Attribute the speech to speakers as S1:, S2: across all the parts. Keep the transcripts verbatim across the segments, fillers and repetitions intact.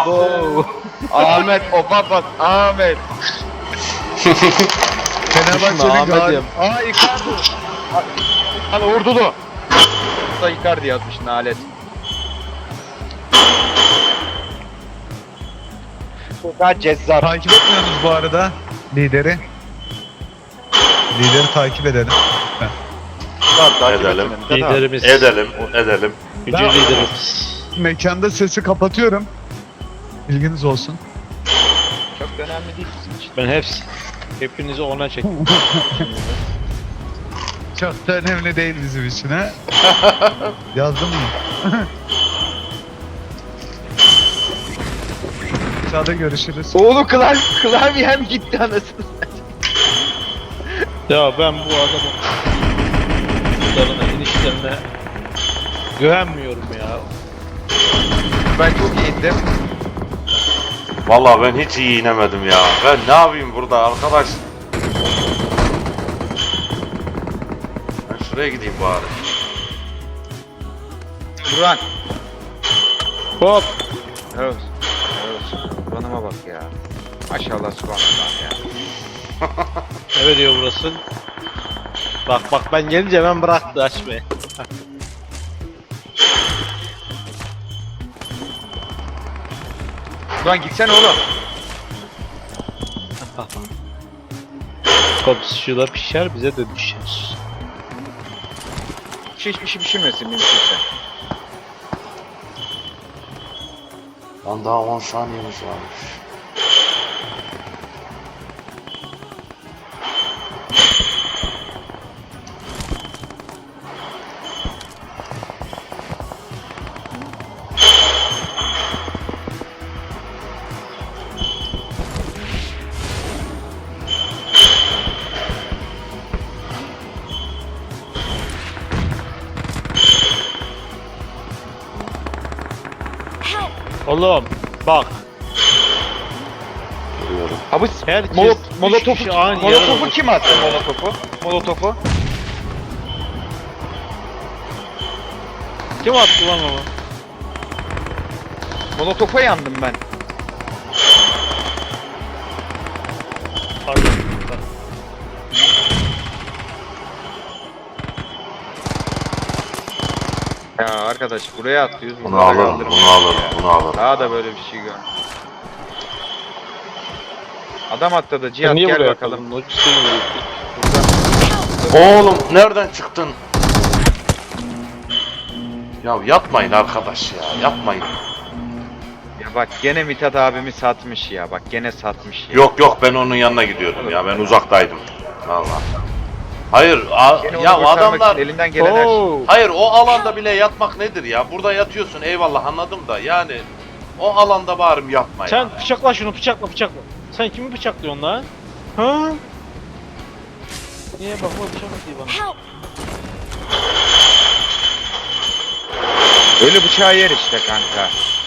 S1: Abo. Ahmet o baba Ahmet.
S2: Fenerbahçe'nin
S3: Ahmet'im.
S2: gal... Aa Icardi.
S1: Lan Ordulu. Da Icardi yazmış nalet. Çok cezzar.
S2: Takip etmiyorsunuz bu arada lideri. Lideri takip edelim.
S1: Lan takip
S4: Edelim.
S1: etmedim. Zaten-
S3: Liderimiz.
S4: Edelim, edelim.
S3: Gücü
S2: Ben-
S3: liderimiz.
S2: Mekanda sesi kapatıyorum. Bilginiz olsun.
S1: Çok da önemli değil bizim için.
S3: Ben hepsi. Hepinizi ona çektim.
S2: Çok da önemli değil bizim için ha. Yazdın mı? Aşağıda görüşürüz.
S1: Oğlum klavye, klavyem gitti anasını.
S3: Ya ben bu adamın kutlarına, inişlerine güvenmiyorum ya.
S1: Ben çok iyiydim.
S4: Vallahi ben hiç iyi inemedim ya. Ben ne yapayım burada arkadaş? Ben şuraya gideyim bari.
S1: Buran.
S3: Hop.
S1: Evet. Evet. Buranıma bak ya. Maşallah subhanallah ya.
S3: Ne diyor burası? Bak bak ben gelince hemen bıraktı açmayı.
S1: Buran gitsene oğlum.
S3: Komşuda pişer bize de düşer.
S1: Hiç hiçbir şey pişirmesin mümkünse.
S4: Lan daha on saniyemiz varmış.
S3: Oğlum bak.
S4: Görüyorum.
S1: Abi
S3: Herkes
S1: molot,
S3: üç
S1: molotofu,
S3: kişi aynı
S1: molotofu
S3: yere
S1: kim attı molotofu? Molotofu.
S3: Kim attı lan onu?
S1: Molotofa yandım ben.
S3: Pardon.
S1: Ya arkadaş buraya atlıyoruz.
S4: Bunu
S1: bunlara
S4: alırım,
S1: kaldırın.
S4: bunu alırım, bunu alırım.
S1: Daha da böyle bir şey gör. Adam atladı. Cihat
S3: Sen niye
S1: gel
S3: buraya
S1: bakalım.
S3: bakalım? Lojistik mi?
S4: Oğlum nereden çıktın? Ya yapmayın arkadaş ya, yapmayın.
S1: Ya bak gene Mithat abimi satmış ya. Bak gene satmış ya.
S4: Yok yok ben onun yanına gidiyordum ya, ben uzaktaydım. Vallahi. Hayır, a-
S1: Gene onu
S4: ya
S1: kurtarmak
S4: adamlar...
S1: için elinden gelen her şey.
S3: Oo.
S4: Hayır o alanda bile yatmak nedir ya? Burada yatıyorsun eyvallah anladım da yani o alanda bari yapma ya.
S3: Sen bıçakla şunu bıçakla bıçakla. Sen kimi bıçaklıyorsun lan? Ha? Niye bakma bıçak atıyor bana?
S1: Öyle bıçağı yer işte kanka.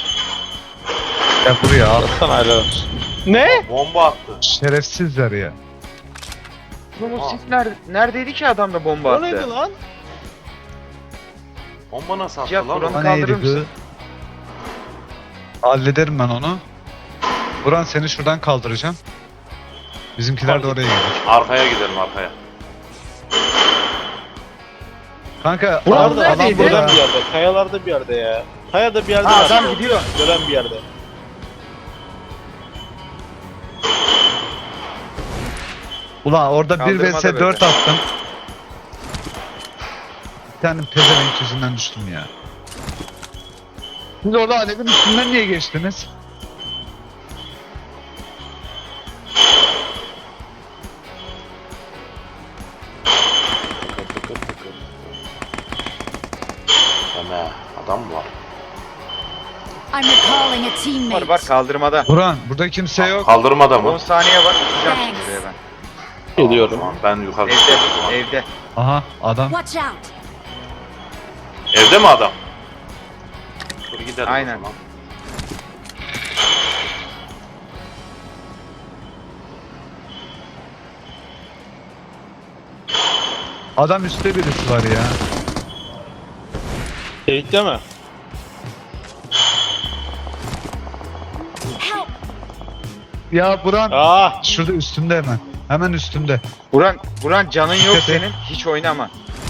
S2: Ya buraya al.
S3: Sana helal olsun. Ne?
S4: Bomba attı.
S2: Şerefsizler ya.
S1: Oğlum
S4: Aa.
S1: siz nerede, neredeydi ki adam da bomba
S3: O neydi
S1: attı?
S3: lan?
S4: Bomba nasıl attı
S1: Cihat,
S4: lan?
S1: buranın-
S4: o?
S2: O
S1: kaldırır
S2: neydi
S1: mısın?
S2: bu? Hallederim ben onu. Buran seni şuradan kaldıracağım. Bizimkiler de oraya gelir.
S4: Arkaya gidelim arkaya.
S2: Kanka
S1: Buran
S2: al-
S1: neredeydi?
S2: alan
S3: Gören
S2: burada.
S3: bir yerde, kayalarda bir yerde ya. Kayada bir yerde
S1: Ha,
S3: var.
S1: adam gidiyor.
S3: Gören bir yerde.
S2: Ulan orada bir
S1: Kaldırmada
S2: vs
S1: böyle.
S2: dört attım. Bir tane pezevenk yüzünden düştüm ya. Siz orada alevin üstünden niye geçtiniz?
S4: Deme adam mı var?
S5: I'm recalling a
S1: Var
S5: teammate.
S1: var kaldırmada.
S2: Buran burada kimse yok.
S4: Kaldırmada
S1: on
S4: mı?
S1: saniye var. Tutacağım şimdi buraya ben.
S3: Geliyorum.
S4: Tamam, ben yukarı
S1: Evde,
S4: çıkıyorum o zaman.
S1: evde.
S2: Aha adam.
S5: Watch out.
S4: Evde mi adam? Dur gidelim
S1: Aynen.
S4: o zaman.
S2: Adam üstte birisi var ya.
S3: Teyit deme.
S2: Ya Buran
S3: Ah!
S2: şurada üstünde hemen. Hemen üstünde.
S1: Buran, Buran canın yok
S2: Tepe.
S1: senin. Hiç oynama.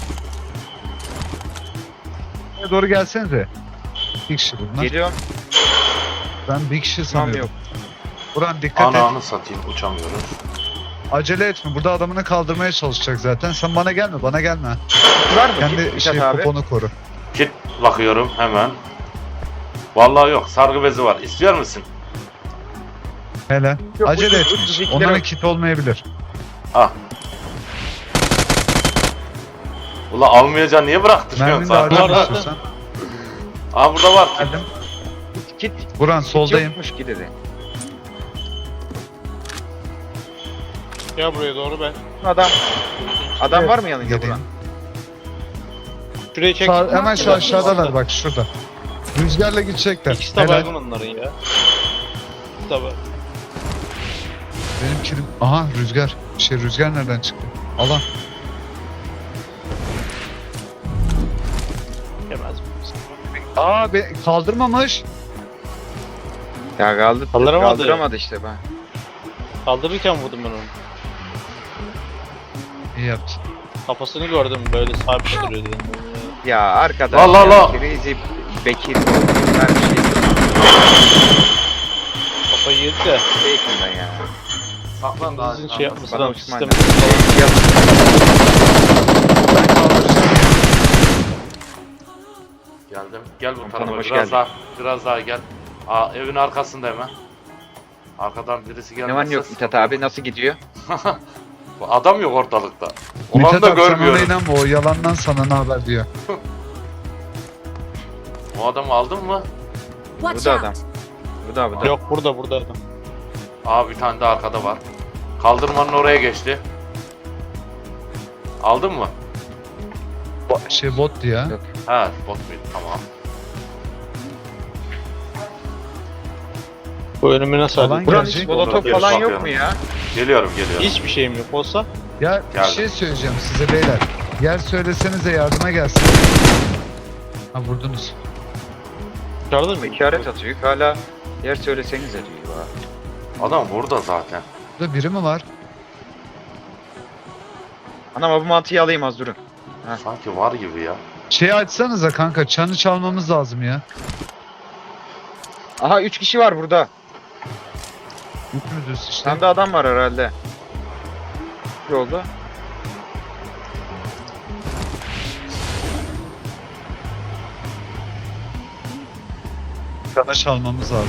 S2: Buraya doğru gelsenize. Bir kişi bunlar.
S1: Geliyorum.
S2: Ben bir kişi
S1: Tamam
S2: sanıyorum.
S1: yok.
S2: Buran dikkat et.
S4: Ananı satayım uçamıyoruz.
S2: Acele etme. Burada adamını kaldırmaya çalışacak zaten. Sen bana gelme. Bana gelme.
S1: Var mı?
S2: Kendi
S1: Mithat
S2: şey
S1: abi.
S2: poponu koru.
S4: Kit bakıyorum hemen. Vallahi yok, sargı bezi var. İstiyor musun?
S2: Hele.
S1: Yok,
S2: Acele
S1: ucuz,
S2: etmiş.
S1: ucuz iki
S2: Onların
S1: lira.
S2: kit olmayabilir.
S4: Ah. Ula almayacaksın, niye bıraktın?
S2: Mermin de
S4: Sargı-
S2: harcar
S3: Var,
S2: istiyorsan.
S4: Aa burada var.
S2: Geldim.
S1: Kit.
S2: Buran
S1: Kit
S2: soldayım.
S1: yokmuş ki dedi.
S3: Gel buraya doğru ben.
S1: Adam. Adam var mı yanında
S2: Geleyim.
S1: Buran?
S3: Şurayı çek.
S2: Sağ, hemen şu aşağıdalar bak şurada. Rüzgarla gidecekler.
S3: İkisi de
S2: Helal.
S3: baygın onların ya. İkisi de baygın.
S2: Benim kilim... Aha rüzgar. Şey rüzgar nereden çıktı? Alan.
S3: Yemez mi?
S2: Aa be, kaldırmamış.
S1: Ya kaldı.
S3: Kaldıramadı.
S1: Kaldıramadı işte ben.
S3: Kaldırırken vurdum ben onu.
S2: İyi yaptın.
S3: Kafasını gördüm böyle sabit duruyor dedim.
S1: Ya arkadaş.
S4: La la
S1: ya,
S4: la.
S1: Crazy Bekir. Her şey.
S3: Kafayı yedi de.
S1: Bacon'dan ya.
S4: Saklan daha.
S3: Sizin şey yapması
S1: Bana
S3: lazım
S1: uçman
S3: sistemi.
S1: lazım.
S2: Ben kaldıracağım.
S4: Geldim. Gel bu
S1: Komutanım,
S4: tarafa.
S1: hoş
S4: Biraz
S1: geldin.
S4: daha. Biraz daha gel. Aa evin arkasında hemen. Arkadan birisi gelmezse.
S1: Ne var ne yok Mithat abi, nasıl gidiyor?
S4: Bu adam yok ortalıkta. Olanı
S2: Mithat
S4: da
S2: abi sen ona
S4: görmüyorum.
S2: inanma, o yalandan sana ne haber diyor.
S4: O adamı aldın mı?
S5: Watch
S1: Bu da
S5: out!
S1: adam. Bu da bu da.
S3: Yok burada burada adam.
S4: Aa bir tane de arkada var. Kaldırmanın oraya geçti. Aldın mı?
S2: Bo- Şey bottu ya.
S1: Yok.
S4: Ha bot muydu? Tamam.
S3: Bu önümü nasıl
S2: Alan
S3: halledeyim?
S1: Buran
S2: gelecek.
S1: hiç molotof
S4: Geri
S1: falan yok
S4: bakıyorum.
S1: mu ya?
S4: Geliyorum geliyorum.
S3: Hiçbir şeyim yok olsa.
S2: Ya bir
S4: Geldim.
S2: şey söyleyeceğim size beyler. Yer söylesenize yardıma gelsin. Ha vurdunuz.
S3: Çıkardın mı?
S1: İşaret atıyor. Hala yer söyleseniz diyor. ha.
S4: Adam burada zaten.
S2: Burada biri mi var?
S1: Anam bu mantıyı alayım az durun. Ha.
S4: Sanki var gibi ya.
S2: Şeyi açsanıza kanka, çanı çalmamız lazım ya.
S1: Aha üç kişi var burada.
S2: Üçümüzüz işte.
S1: Tam da adam var herhalde. Yolda.
S2: Çanı çalmamız lazım.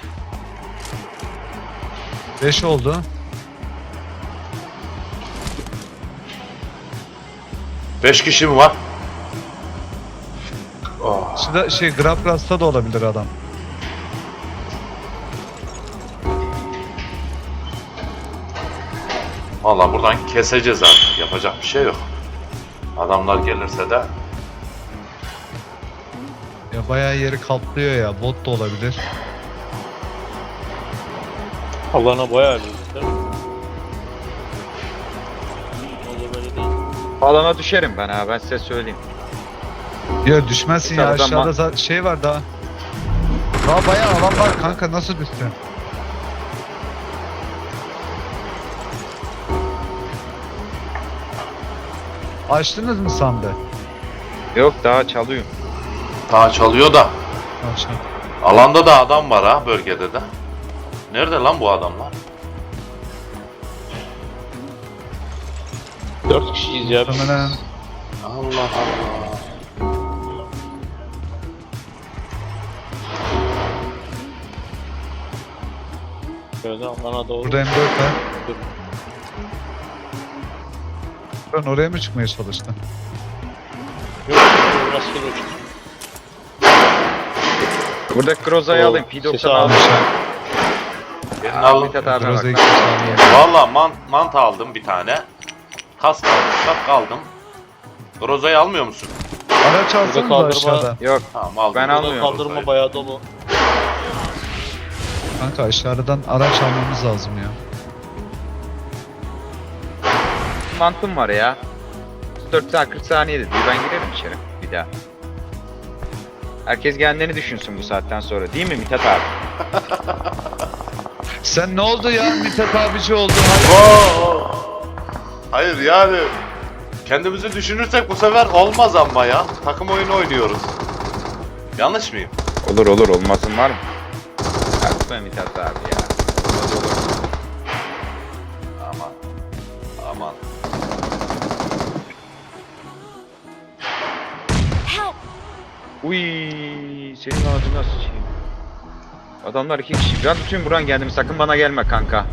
S2: Beş oldu.
S4: Beş kişi mi var? Oh.
S2: Şurada şey Grapras'ta da olabilir adam.
S4: Valla buradan keseceğiz artık. Yapacak bir şey yok. Adamlar gelirse de
S2: Ya bayağı yeri kaplıyor ya. Bot da olabilir.
S3: Allah'ına bayağı bir değil mi? Oldu böyle değil.
S1: Alana düşerim ben ha, ben size söyleyeyim.
S2: Ya düşmezsin ya,
S1: Aşağıdan
S2: aşağıda za- şey var daha. Daha bayağı alan var kanka, nasıl düştün? Açtınız mı sandı?
S1: Yok daha çalıyorum.
S4: daha çalıyor da.
S2: Açtım.
S4: Alanda da adam var ha, bölgede de. Nerede lan bu adamlar?
S3: Dört kişiyiz ya. biz.
S2: Muhtemelen
S4: Allah Allah.
S3: Şöyle alana doğru.
S2: burada M dört var. Ben oraya mı çıkmaya çalıştın?
S3: Yok, rastgele uçtu.
S1: Burada Groza'yı
S3: Oo,
S1: alayım. P
S3: sesi
S1: doksan
S3: aldım.
S1: aldım.
S4: Birini
S1: Aa,
S4: alın.
S1: Mithat abi
S2: Groza'yı
S1: bak.
S2: iki saniye.
S4: Valla man mant aldım bir tane. Kask aldım, şapka aldım. Groza'yı almıyor musun?
S2: Araç alsanız da
S3: kaldırma-
S2: aşağıda.
S1: Yok
S4: Tamam aldım.
S1: Ben
S3: Burada
S1: almıyorum
S3: kaldırma
S4: Groza'yı.
S3: bayağı dolu.
S2: Kanka aşağıdan araç almamız lazım ya.
S1: mantım var ya. dört saat kırk saniye diyor. Ben girerim içeri bir daha. Herkes kendini düşünsün bu saatten sonra. Değil mi Mithat abi?
S2: Sen ne oldu ya Mithat abici oldun? Hayır.
S4: Oo. Hayır yani kendimizi düşünürsek bu sefer olmaz ama ya. Takım oyunu oynuyoruz. Yanlış mıyım?
S1: Olur olur, olmasın var mı? Yapma Mithat abi ya. Olmaz olur.
S4: Aman. Aman.
S5: Help!
S1: Uy, senin ağzına sıçayım. Adamlar iki kişi. Ben tutayım Buran kendimi, sakın bana gelme kanka.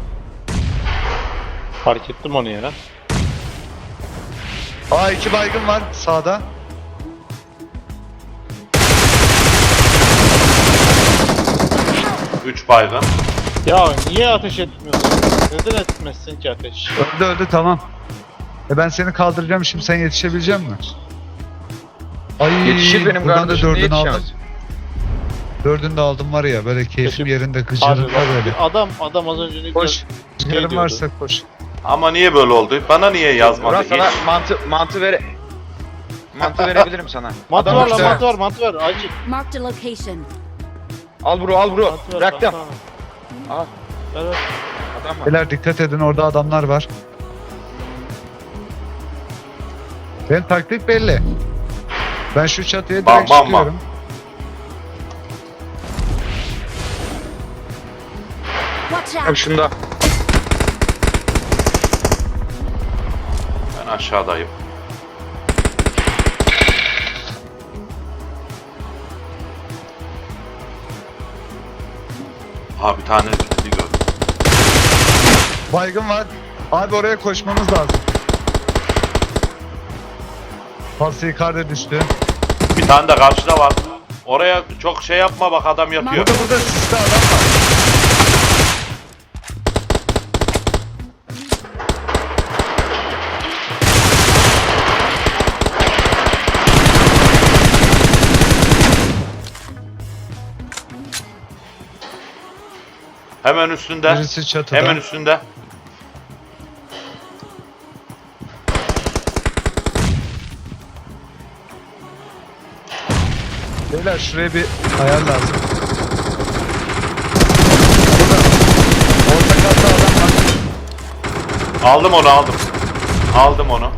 S3: Fark ettim onu ya.
S2: Aa iki baygın var sağda.
S4: Üç baygın.
S3: Ya niye ateş etmiyorsun? Neden etmezsin ki ateş?
S2: Öldü öldü tamam. E ben seni kaldıracağım şimdi, sen yetişebilecek misin? Ay
S1: Yetişir benim
S2: buradan da
S1: kardeşim, niye
S2: dördünü aldım.
S1: yetişemez?
S2: Dördünü de aldım var ya, böyle keyfim
S3: Kötü-
S2: yerinde,
S3: Abi
S2: gıcırında
S3: bak,
S2: böyle.
S3: adam adam az önce ne
S2: Koş.
S3: güzel
S2: Yarın
S3: diyordu.
S2: varsa koş.
S4: Ama niye böyle oldu? Bana niye yazmadı
S1: Buran
S4: hiç?
S1: sana mantı, mantı vere... Mantı verebilirim sana.
S3: Mantı
S1: Adam
S3: var lan,
S1: işte-
S3: mantı var, mantı var. Acil.
S5: Marked a location.
S1: Al bro, al bro.
S3: Mantı var,
S1: Bıraktım.
S3: mantı var.
S1: Al.
S3: Evet.
S1: Adam var.
S2: Beyler dikkat edin, orada adamlar var. Benim taktik belli. Ben şu çatıya
S4: Bam,
S2: direkt
S4: bam, bam.
S2: çıkıyorum.
S5: Watch
S1: Abi
S5: out!
S1: şunda.
S4: Ben aşağıdayım. Ha bir tane bir gördüm.
S2: Baygın var. Abi oraya koşmamız lazım. Falsi yukarıda düştü.
S4: Bir tane de karşıda var. Oraya çok şey yapma bak, adam yapıyor.
S2: Burada burada siste adam var.
S4: Hemen üstünde.
S2: Birisi çatıda.
S4: Hemen üstünde.
S2: Beyler şuraya bir ayar lazım. Burada. Orta katta adam var.
S4: Aldım onu, aldım. Aldım onu.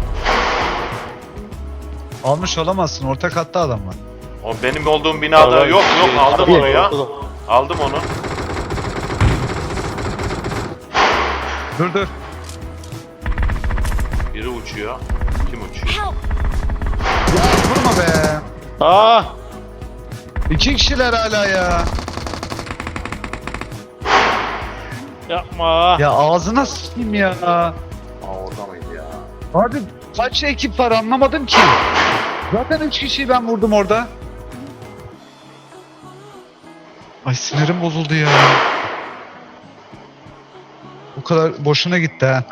S2: Almış olamazsın. Orta katta adam var.
S4: O benim olduğum binada
S3: Tamam.
S4: yok yok, aldım
S3: Abi,
S4: onu ya.
S3: ortada.
S4: Aldım onu.
S2: Dur dur.
S4: Biri uçuyor. Kim uçuyor?
S5: Help!
S2: Ya vurma be.
S3: Aa!
S2: İki kişiler hala ya.
S3: Yapma.
S2: Ya ağzına sıçayım ya.
S4: Aa orada mıydı ya?
S2: Abi kaç ekip var anlamadım ki. Zaten üç kişiyi ben vurdum orada. Ay sinirim bozuldu ya. Bu kadar boşuna gitti ha.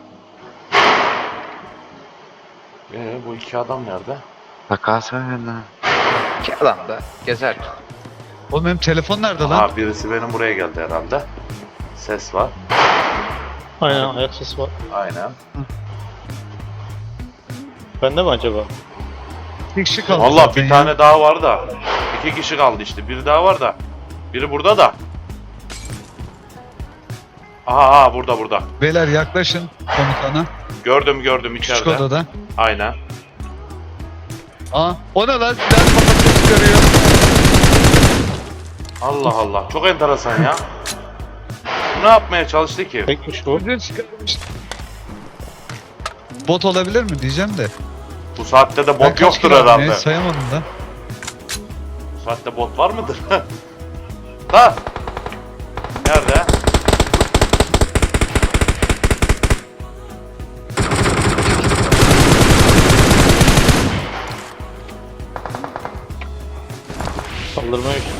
S4: Ee, bu iki adam nerede?
S1: Takas öyle. İki adam da gezer.
S2: Oğlum benim telefon nerede lan?
S4: Ha birisi benim buraya geldi herhalde. Ses var.
S3: Aynen, ayak sesi var.
S4: Aynen.
S3: Bende mi acaba?
S2: Bir kişi kaldı
S4: Valla
S2: zaten
S4: bir
S2: ya.
S4: tane daha var da. İki kişi kaldı işte. Biri daha var da. Biri burada da. Aha, aha burada burada.
S2: Beyler yaklaşın komutana.
S4: Gördüm gördüm
S2: Küçük
S4: içeride.
S2: odada.
S4: Aynen.
S2: Aa, o ne lan? Silah kafasını çıkarıyor.
S4: Allah Allah. Çok enteresan ya. Bu ne yapmaya çalıştı ki?
S3: Tekmiş bu.
S2: Ucu çıkarmış. Bot olabilir mi diyeceğim de.
S4: Bu saatte de
S2: Ben
S4: bot
S2: kaç
S4: yoktur
S2: kilo aldım
S4: herhalde.
S2: ya, sayamadım da.
S4: Bu saatte bot var mıdır? Ha? Nerede?
S3: Saldırmaya işte.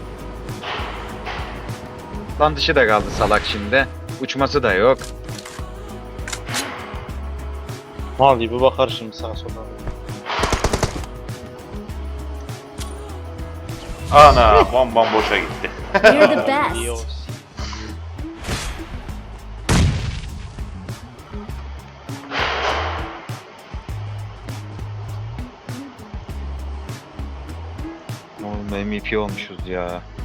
S1: Lan dışı da kaldı salak şimdi. Uçması da yok.
S3: Mal gibi bakar şimdi sağa sola.
S4: Ana bombam boşa gitti.
S5: You're the
S3: İyi
S5: best.
S3: olsun.
S1: Oğlum M V P olmuşuz ya.